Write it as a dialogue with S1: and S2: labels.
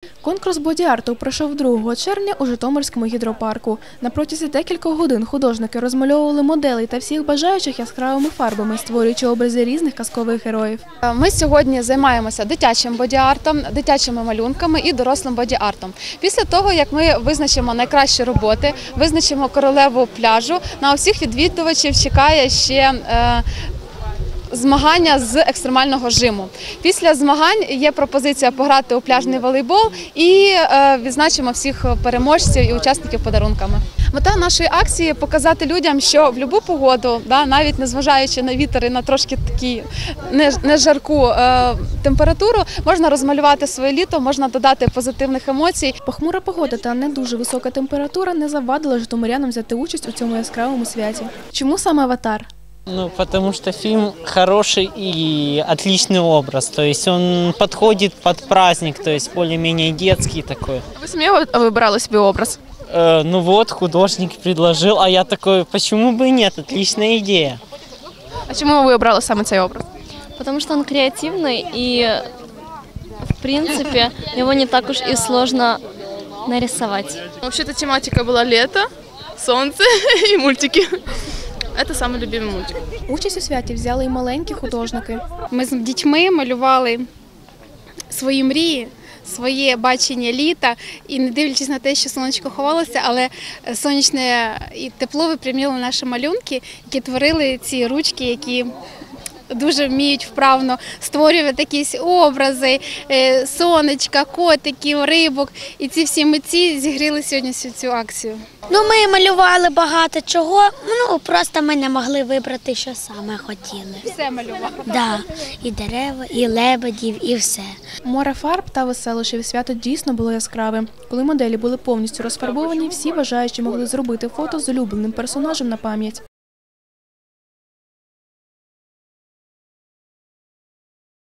S1: Конкурс боді-арту пройшов 2 червня у Житомирському гідропарку. На протязі декількох годин художники розмальовували моделей та всіх бажаючих яскравими фарбами, створюючи образи різних казкових героїв.
S2: Ми сьогодні займаємося дитячим боді-артом, дитячими малюнками і дорослим боді-артом. Після того, як ми визначимо найкращі роботи, визначимо королеву пляжу, на усіх відвідувачів чекає ще змагання з екстремального жиму. Після змагань є пропозиція пограти у пляжний волейбол і відзначимо всіх переможців і учасників подарунками. Мета нашої акції – показати людям, що в будь-яку погоду, навіть незважаючи на вітер і на трошки такі не жарку температуру, можна розмалювати своє літо, можна додати позитивних емоцій.
S1: Похмура погода та не дуже висока температура не завадила житомирянам взяти участь у цьому яскравому святі. Чому саме «Аватар»?
S3: Ну, потому что фильм хороший и отличный образ, то есть он подходит под праздник, то есть более-менее детский такой.
S1: Ви самі вибирали собі образ?
S3: Ну вот, художник предложил, а я такой, почему бы и нет, отличная идея.
S1: А чому ви обрали саме цей образ?
S4: Потому что он креативный и, в принципе, его не так уж и сложно нарисовать.
S5: Вообще-то тематика была лето, солнце и мультики. Это самый любимый мультик.
S1: Участь у святі взяли і маленькі художники.
S6: Ми з дітьми малювали свої мрії, своє бачення літа. І не дивлячись на те, що сонечко ховалося, але сонячне і тепло випрямило наші малюнки, які творили ці ручки, які дуже вміють вправно створювати якісь образи, сонечка, котиків, рибок. І ці всі митці зігріли сьогодні цю акцію.
S7: Ну, ми малювали багато чого, просто ми не могли вибрати, що саме хотіли.
S6: Все малювали.
S7: Да, і дерева, і лебедів, і все.
S1: Море фарб та веселощів свято дійсно було яскравим. Коли моделі були повністю розфарбовані, всі бажаючі могли зробити фото з улюбленим персонажем на пам'ять.